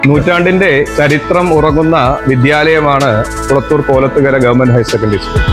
നൂറ്റാണ്ടിന്റെ ചരിത്രം ഉറങ്ങുന്ന വിദ്യാലയമാണ് Kulathur Kolathukara government higher secondary school.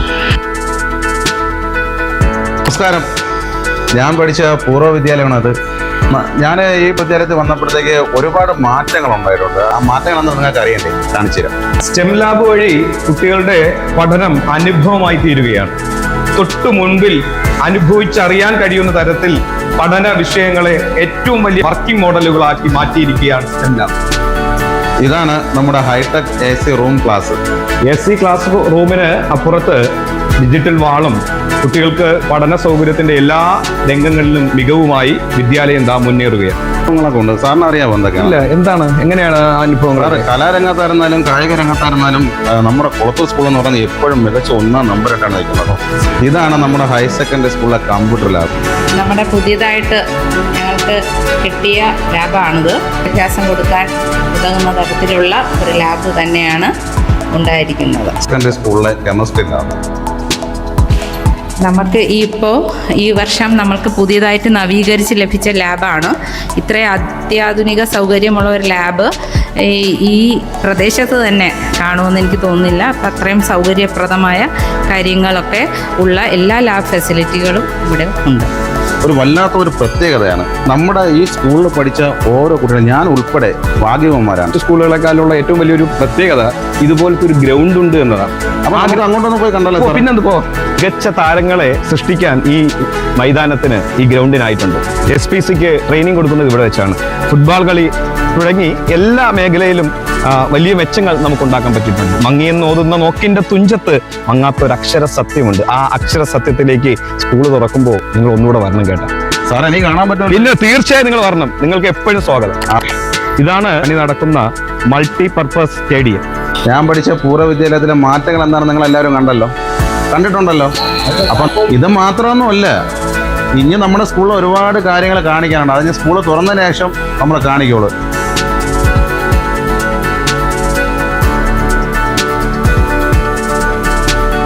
നമസ്കാരം, ഞാൻ പഠിച്ച പൂർവ്വ വിദ്യാലയമാണത്. ഞാൻ ഈ വിദ്യാലയത്തിൽ വന്നപ്പോഴത്തേക്ക് ഒരുപാട് മാറ്റങ്ങൾ ഉണ്ടായിട്ടുണ്ട്. ആ മാറ്റങ്ങളെന്ന് നിങ്ങൾക്ക് അറിയണ്ടേ, കാണിച്ചു തരാം. സ്റ്റെം ലാബ് വഴി കുട്ടികളുടെ പഠനം അനുഭവമായി തീരുകയാണ്. തൊട്ടു മുൻപിൽ അനുഭവിച്ചറിയാൻ കഴിയുന്ന തരത്തിൽ പഠന വിഷയങ്ങളെ ഏറ്റവും വലിയ വർക്കിംഗ് മോഡലുകളാക്കി മാറ്റിയിരിക്കുകയാണ് സ്റ്റെം ലാബ്. ഇതാണ് നമ്മുടെ hi tech AC room class. AC class റൂമിന് അപ്പുറത്ത് ഡിജിറ്റൽ വാളും കുട്ടികൾക്ക് പഠന സൗകര്യത്തിന്റെ എല്ലാ രംഗങ്ങളിലും മികവുമായി വിദ്യാലയം മുന്നേറുകയാണ്. ഉണ്ട് സാറിന് അറിയാമോ എന്തൊക്കെയാണ്? ഇല്ല, എന്താണ്, എങ്ങനെയാണ് അനുഭവങ്ങൾ? കലാരംഗത്തായിരുന്നാലും കായിക രംഗത്തായിരുന്നാലും നമ്മുടെ കുളത്തൂർ സ്കൂൾ എന്ന് പറഞ്ഞാൽ എപ്പോഴും മികച്ച 1-ാം നമ്പറായിട്ടാണ് നിൽക്കുന്നത്. ഇതാണ് നമ്മുടെ ഹയർ സെക്കൻഡറി സ്കൂളിലെ കമ്പ്യൂട്ടർ ലാബ്. നമ്മുടെ പുതിയതായിട്ട് ഞങ്ങൾക്ക് കിട്ടിയ ലാബാണിത്. വിദ്യാഭ്യാസം കൊടുക്കാൻ ഉതകുന്ന തരത്തിലുള്ള ഒരു ലാബ് തന്നെയാണ് ഉണ്ടായിരിക്കുന്നത്. സെക്കൻഡറി സ്കൂളിലെ കെമിസ്ട്രി ലാബ്. നമുക്ക് ഈ വർഷം നമ്മൾക്ക് പുതിയതായിട്ട് നവീകരിച്ച് ലഭിച്ച ലാബാണ്. ഇത്രയും അത്യാധുനിക സൗകര്യമുള്ള ഒരു ലാബ് ഈ പ്രദേശത്ത് തന്നെ കാണുമെന്ന് എനിക്ക് തോന്നുന്നില്ല. അപ്പം അത്രയും സൗകര്യപ്രദമായ കാര്യങ്ങളൊക്കെ ഉള്ള എല്ലാ ലാബ് ഫെസിലിറ്റികളും ഇവിടെ ഉണ്ട്. ഒരു വല്ലാത്തൊരു പ്രത്യേകതയാണ് നമ്മുടെ ഈ സ്കൂളിൽ പഠിച്ച ഓരോ കുട്ടികളും, ഞാൻ ഉൾപ്പെടെ ഭാഗ്യവാന്മാരാണ്. സ്കൂളുകളെക്കാളുള്ള ഏറ്റവും വലിയൊരു പ്രത്യേകത ഇതുപോലത്തെ ഒരു ഗ്രൗണ്ട് ഉണ്ട് എന്നതാണ്. അപ്പൊ നമുക്ക് അങ്ങോട്ടൊന്ന് പോയി കണ്ടല്ലോ. പിന്നെന്തിപ്പോ മികച്ച താരങ്ങളെ സൃഷ്ടിക്കാൻ ഈ മൈതാനത്തിന്, ഈ ഗ്രൗണ്ടിനായിട്ടുണ്ട്. SPCക്ക് ട്രെയിനിങ് കൊടുക്കുന്നത് ഇവിടെ വെച്ചാണ്. ഫുട്ബോൾ കളി തുടങ്ങി എല്ലാ മേഖലയിലും വലിയ മെച്ചങ്ങൾ നമുക്ക് ഉണ്ടാക്കാൻ പറ്റിയിട്ടുണ്ട്. മങ്ങിയെന്ന് ഓതുന്ന നോക്കിന്റെ തുഞ്ചത്ത് മങ്ങാത്തൊരു അക്ഷര സത്യമുണ്ട്. ആ അക്ഷര സത്യത്തിലേക്ക് സ്കൂൾ തുറക്കുമ്പോൾ നിങ്ങൾ ഒന്നുകൂടെ വരണം കേട്ടോ. സാർ, എനിക്ക് കാണാൻ പറ്റും. ഇല്ല, തീർച്ചയായും നിങ്ങൾ വരണം. നിങ്ങൾക്ക് എപ്പോഴും സ്വാഗതം. ഇതാണ് പണി നടക്കുന്ന മൾട്ടിപർപ്പസ് സ്റ്റേഡിയം. ഞാൻ പഠിച്ച പൂർവ്വ വിദ്യാലയത്തിലെ മാറ്റങ്ങൾ എന്താണെന്ന് നിങ്ങൾ എല്ലാവരും കണ്ടിട്ടുണ്ടല്ലോ. അപ്പം ഇത് മാത്രമൊന്നുമല്ല, ഇനി നമ്മുടെ സ്കൂളിൽ ഒരുപാട് കാര്യങ്ങൾ കാണിക്കാനുണ്ട്. അതിന് സ്കൂൾ തുറന്നതിന് ശേഷം നമ്മൾ കാണിക്കുള്ളൂ.